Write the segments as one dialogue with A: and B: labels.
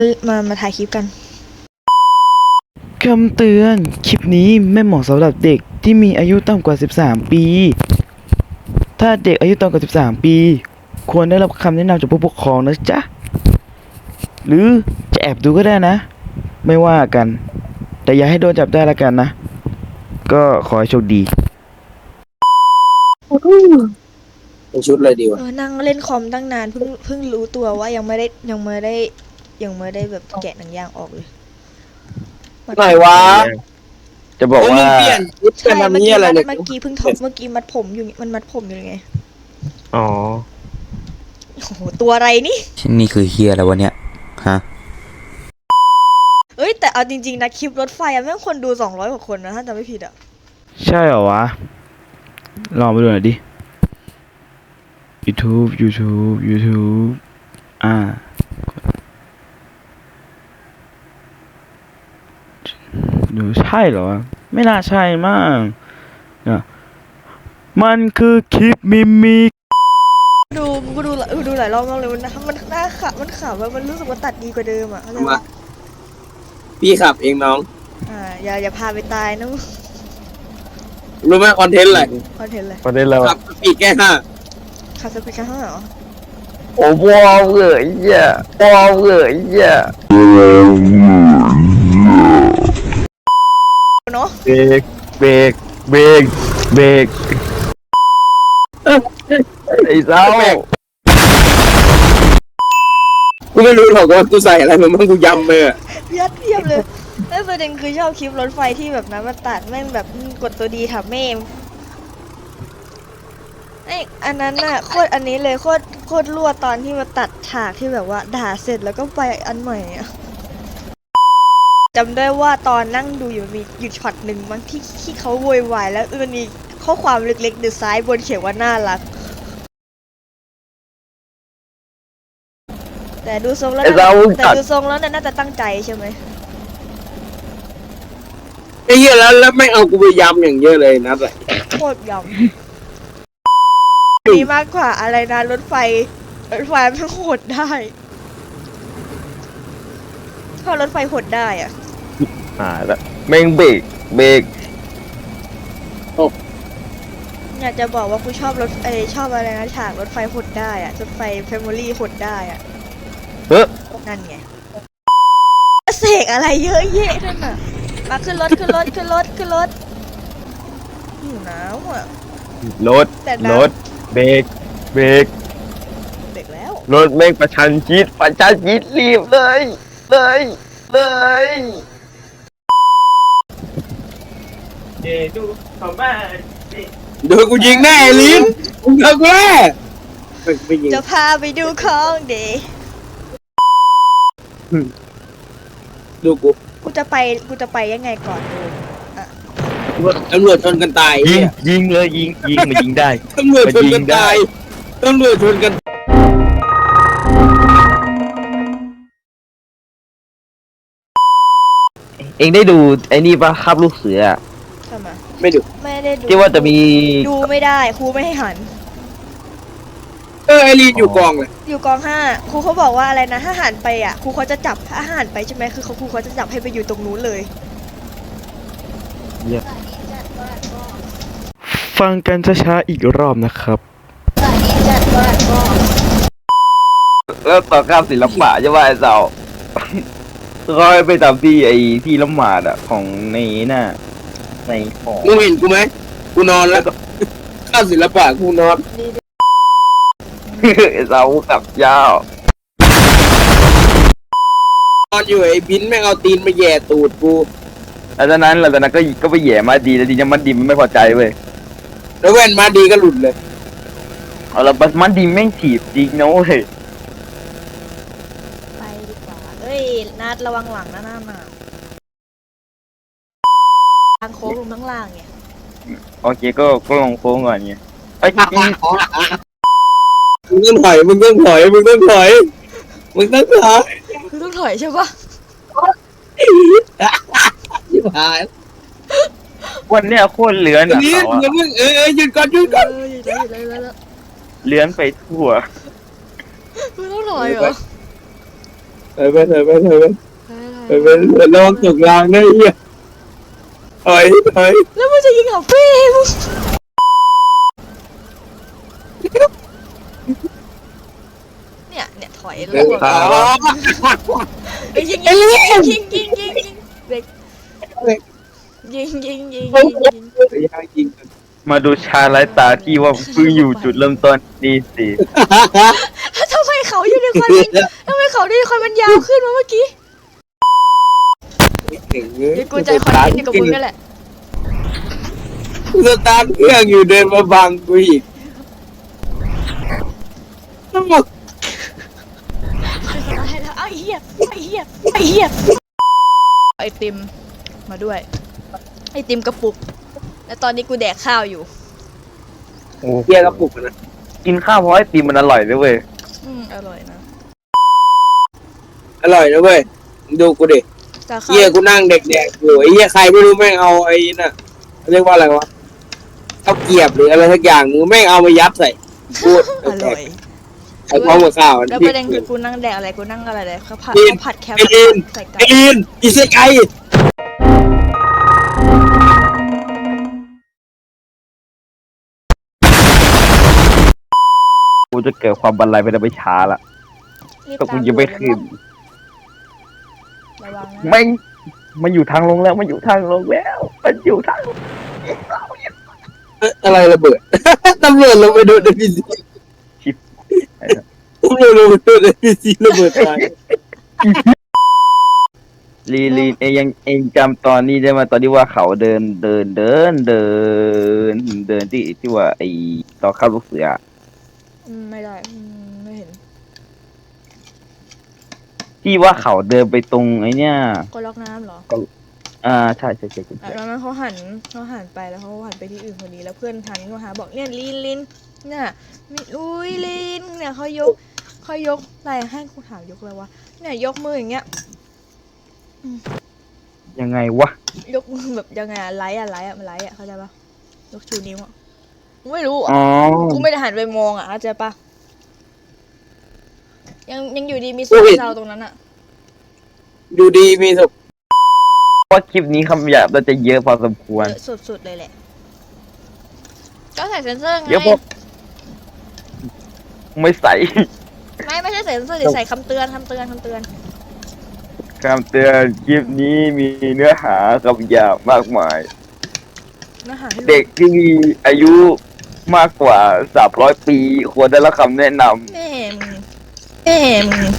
A: มาถ่ายคลิปกัน
B: คำเตือน คลิปนี้ไม่เหมาะสำหรับเด็กที่มีอายุต่ำกว่า 13 ปี ถ้าเด็กอายุต่ำกว่า 13 ปี ควรได้รับคำแนะนำจากผู้ปกครองนะจ๊ะ หรือจะแอบดูก็ได้นะ ไม่ว่ากัน แต่อย่าให้โดนจับได้ละกันนะ ก็ขอให้โชคดี
C: เป็นชุดเลยดีวะ
A: นั่งเล่นคอมตั้งนานเพิ่งรู้ตัวว่ายังไม่ได้แบบแกะหนังยางออกเลย
C: ไหนวะ
B: จะบอกว่า
C: เปลี่ยนชุด
A: ใช่
C: กัน
A: เมื่อ
C: ทำนี้
A: กี้
C: อะไรเนี่ย
A: เมื่อกี้เพิ่งเมื่อกี้มัดผมอยู่มันมัดผมอยู่ไง
D: อ๋อ
A: โอ้โหตัวอะไรนี่
D: นี่คือเฮียอะไรวะเนี่ยฮะ
A: เอ้ยแต่เอาจริงๆนะคลิปรถไฟอะแม่งคนดู200 กว่าคนนะถ้าจำไม่ผิดอะ
B: ใช่เหรอวะ ลองไปดูหน่อยดิ YouTube ดูใช่เหรอวะ ไม่น่าใช่มั้งเนี่ยมันคือคลิปมิมิก
A: ดูหลายรอบมากเลยมันน่าขำมันขำว่ามันรู้สึกว่าตัดดีกว่าเดิมอะเข้าใจ
C: มา
A: ปะ
C: พี่ขับเองน้อง
A: อย่าพาไปตายนะ
C: รู้ไหมคอนเทนต์อะไร
A: คอนเทนต์เลย
D: ประเด็นแล้ว
C: ขับปีกแค่ห้า
A: คาสปิกาห้าเหรอ
B: โอ้บอลเลยอ่ะบอลเลยอ่ะ
A: เนาะ
D: เบรกเบรกเบรกเบรก
B: ไอ้เจ้า
C: กูไม่รู้หรอกว่ากูใส่อะไรมาบ้างกูยำเลยอะ
A: ยัดเทียบเลยแล้วประเด็นคือชอบคลิปรถไฟที่แบบนั้นมันตัดแม่งแบบกดตัวดีถามแม่ไออันนั้นน่ะโคตรอันนี้เลยโคตรรั่วตอนที่มาตัดฉากที่แบบว่าด่าเสร็จแล้วก็ไปอันใหม่อะจำได้ว่าตอนนั่งดูอยู่มีอยู่ช็อตหนึ่งบางที่เขาโวยวายแล้วมันมีข้อความเล็กๆอยู่ซ้ายบนเขียนว่าน่ารักแต่ดูทรงแล้วน่าจะตั้งใจใช่ไหม
C: ไอ้เหี้ยแล้วไม่เอากูไปยำอย่างเยอะเลยนะแต่
A: โคตรยำดีมากกว่าอะไรนะรถไฟมันโหดได้ถ้ารถไฟโหดได้อะ
D: แล้วแม่งเบรกเบรก
A: อยากจะบอกว่ากูชอบชอบอะไรนะฉากรถไฟโหดได้อะรถไฟแฟมิลี่โหดได้อะ
D: เฮ้ย
A: นั่นไงเสกอะไรเยอะแยะนั่นน่ะมาขึ้นรถหิวน้ำอ่ะ
D: รถ
A: แต่น้ำ
D: รถเบรกเบรก
A: เด็กแล้ว
D: รถแม่งประชันชิดรีบเลยดูของบ้าน
C: เดี๋ยวกูยิงแน่ไอ้ลิ้นมึงเอากูแน่ไม่ยิง
A: จะพาไปดูของเดย์
C: ดูกู
A: กูจะไปยังไงก่อนดู
C: ตำรวจชนกันตาย
D: ยิง
C: เนี่ย
D: ยิงเลยยิงมันยิงได้
C: ตำรวจชนกันตายตำรวจชนกัน
D: เองได้ดูไอ้นี่ปะคาบลูกเสือ
A: ทำไม
C: ไม่ดู
A: ไม่ได้ดู
D: ที่ว่าจะมี
A: ดูไม่ได้ครูไม่ให้หัน
C: ไอ้ลิ้นอยู่กองเลย
A: อยู่กอง5ครูเขาบอกว่าอะไรนะถ้าหันไปอ่ะครูเขาจะจับถ้าหันไปใช่ไหมคือครูเขาจะจับให้ไปอยู่ตรงนู้นเลย
B: ฟังกันช้าๆอีกรอบนะครับ
D: แล้วต่อข้ามศิลปะใช่ป่ะไอ้เจ้า ก็ไปตามที่ไอ้ที่ละหมาดอะของในน่ะในของ
C: มึงเห็นกูไหมกูนอนแล้วข้าศิลปะกูนอน
D: ไอ้เจ้ากับยาวน
C: อนอยู่ไอ้บินแม่งเอาตีนมาแย่ตูดกู
D: หลังจากนั้นก็ไปแหย่มาดีแล้วทีนี้มันดีมันไม่พอใจเว้ย
C: แล้วแว่นมาดีก็หลุดเลย
D: เอาละมันดีแม่งถีบจริงนะเว้ย
A: ไปดีกว่าเอ้ยนัดระวังหลังนะหน้ามาทางโค้งลงข้างล่างเนี่ย
D: โอเคก็ลงโค้งก่อนไงไอ้ย
C: มึงต้องถอยมึงต้องถอยมึงต้องถอยมึงต้องถอย
A: คือต้องถอยใช่ปะ
C: ชิบหาย
D: วันเนี้ยโคตรเลื้อน
C: อัน
D: อะ
C: นี้
D: เขาอะ
C: อย่ามึงหยุดก่อนหยุดก่อน
A: อยู่แล้ว
D: เลื้อนไปทั่ว
A: คือต้องถอยเหรอ
C: เฮ้ยระวังตกรางได้เหี้ยเฮ้ย
A: แล้วมึงจะยิงเหรอพี่มึงเนี่ยถอยแล้วบอกไปยิงเบรกยิง
D: มาดูชาไร้ตาที่ว่าเพิ่งอยู่จุดเริ่มต้นนี่สิ
A: ทำไมเขาอยู่ในควันทำไมเขาในควันมันยาวขึ้นมาเมื่อกี้เดี๋ยวกูใจคอนเทนต์อยู่กับมึงนั่นแหละ
C: สตาร์ทเครื่องอยู่เดินมาบังกูอีก
A: ไอ้เหี้ยไอติมมาด้วยไอติมกระปุกแล้วตอนนี้กูแดกข้าวอยู่
D: โอ้
C: เฮียกระปุกนะ
D: กินข้าวเพราะไอติมมันอร่อยเลยเว้ย
A: อร่อยนะ
C: อร่อยนะเว้ยดูกูดิ
A: แต่ข้าว
C: เฮียกูนั่งเด็กๆอยู่ไอ้เฮียใครไม่รู้แม่งเอาไอ้น่ะเรียกว่าอะไรวะข้าวเกรียบหรืออะไรสักอย่างนึงแม่งเอามายัดใส่พูด
A: อร่อย
C: ไอ้พร้อมกับข้าว
A: แล้วประเด็นคือกูนั่งแดกอะไรกูนั่งอะไรเลยเขาผัดแคบ
C: ไอ้ลิน
A: ใส่ไก่
C: ไอ้ลินอิเซไก
D: กูจะเกิดความบันไลไปได้ไม่ช้าละ
A: รีบ
D: ก็
A: ตา
D: กูยังไม่ขึ้น
A: ระวังนะ
D: แม่งมันอยู่ทางลงแล้วมันอยู่ทางลงแล้วมันอยู่ทางลง
C: อะไรระเบิด ตำรวจลงไปโดน NPC ตำรวจลงไปโดน NPC ระเบิดตาย
D: ลีนเองจำตอนนี้ได้ไหมตอนที่ว่าเขาเดินที่ว่าไอตอนเข้าลูกเสือ
A: ไม่ได้ไม่เห็น
D: ที่ว่าเขาเดินไปตรงไอเนี้ย
A: ก็ล็อกน้ำเหรอ
D: ใช่
A: แล้วนั้นเขาหันไปแล้วเขาหันไปที่อื่นพอดีแล้วเพื่อนทันก็หาบอกเนี่ยลินเนี่ยอุ้ยลินเนี่ยเขายกอะไรให้กูถามยกอะไรวะเนี่ยยกมืออย่างเงี้ย
D: ยังไงวะ
A: ยกมือแบบยังไงอะไลท์อะมันไลท์อะเข้าใจปะยกชูนิ้วอะกูไม่รู้อะ
D: อ๋อ
A: กูไม่ได้หันไปมองอะเข้าใจปะยังอยู่ดีมีสุขเศร้าตรงนั้นอะ
C: ดูดีมีสุข
D: เพราะคลิปนี้คำหยาบเราจะเยอะพอสมควร
A: เยอะสุดๆเลยแหละก็ใส่เซนเซอร์ไง
D: เยอะพอไม่ใส่
A: ไม่ใช่ใส่เซนเซอร์ดิใส่คำเตือน
D: คำเตือนคลิปนี้มีเนื้อหาคำหยาบมากมาย
A: นะฮะ
D: เด็กที่มีอายุมากกว่า300 ปีควรได้รับคำแนะน
A: แม่มึง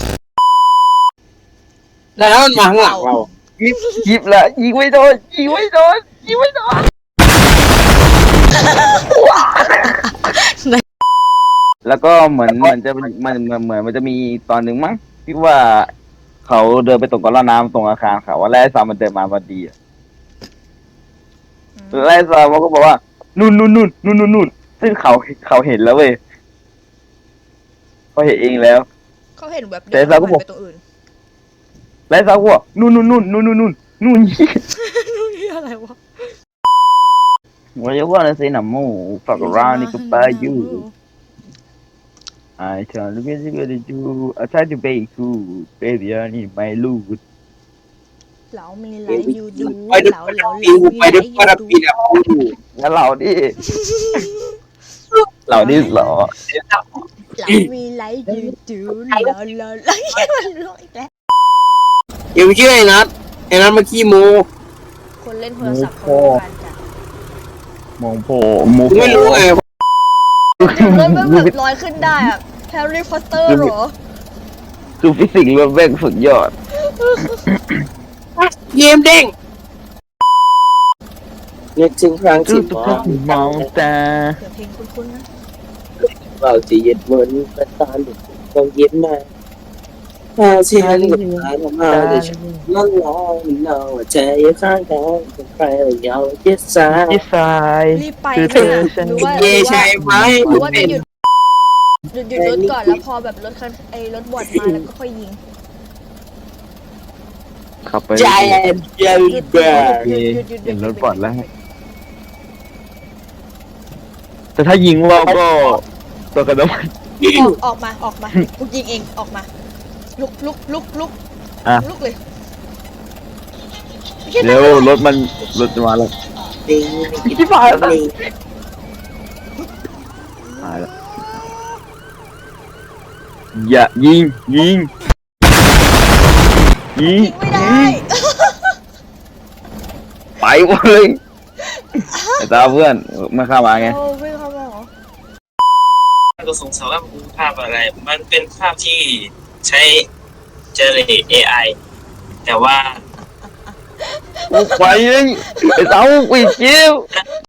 C: แล้วมันมาข้างหลังเรา
D: ำยิบละยิงไม่โดน แล้วก็เหมือนมันจะมีตอนหนึ่งมั้งที่ว่าเขาเดินไปตรงกับน้ำตรงอาคารเขาว่าแล้วไอ้ซามันเดินมาพอดีอะแล้วไอ้ซามันก็บอกว่านู่นซึ่งเขาเห็นแล้วเว้ยเขาเห็นเองแล้ว
A: เขาเห็นแบบ
D: แต่เราก็บอก
A: ไปตัวอื่น
D: แล้วไอ้ซาก็บอกนู่น
A: นู่นนี่อะไรวะ
D: What you wanna say no more? Fuck around, nigga, by you. I try to get you to do. I try to be cool, baby. I need my loot.
A: เหลามีไลฟ์ยูดู
C: ไปดู
A: เหลา
C: ปีนไปดูปาราปีน
D: แล้วเราดิ เราดิหรอ
A: เหลามีไลฟ์ยูดูเหลามันร้องอีกแล้ว
C: อย่าไปเชื่อไอ้นัทมาขี้โม
A: คนเล่นโทรศัพท์เขารู้กันจ้ะ
D: มองโผล่มู
C: กูไม่รู้ไง
A: รถมันแบบลอยขึ้นได้อะแฮร์รี่พอตเตอร์เหรอ
D: คือฟิสิกส์ล้วนแม่งสุดยอด
C: เกมเด้งนึกถึงครั้ง
D: ทุ
C: ที่
D: กคนมองตา
A: เดี๋ยวเพลงคุ้นๆนะ
C: เราจะเย็นเหมือนเป็นตาหลุดต้องเย็นมาถ้าเชียร์กับตาทำมาจะฉันนั่งรอเนาใจข้างกันเป็นใครยาวเย็ดสาย
D: ที่ซ้าย
A: รีบไป
D: คือ
A: นะ
D: เธอฉัน
A: หรือว่า
C: เย่ใช่ไหม
A: หรือว่าจะหยุดรถก่อนแล้วพอแบบรถคันรถบอดมาแล้วก็ค่อยยิง
D: ขับไป
C: ใจเย็นแบบ
D: เห็นรถปอดแล้ว แต่ถ้ายิงเราก็ตัวกระโดด
A: ออกมากูยิงเองออกมาลุกลุกลุกลุก
D: อ่ะ
A: ลุกเลย
D: เร็วรถจะมาแล้ว
C: ลิง
D: ที่ผ่านแล้ว
C: ลิง
D: มาแล้วอย่ายิงยิง
A: ยิงไม่ได้
D: ไปหมดเลยไอ้ตาเพื่อนมาเข้ามาไง
A: โอ้ไม่เข้ามาเหรอ
C: ก็สงสัยว่ามันคือภาพอะไร มันเป็นภาพที่ใช้ generate AI แต่ว่า
D: ไปเลยไอ้เต้าไปเจียว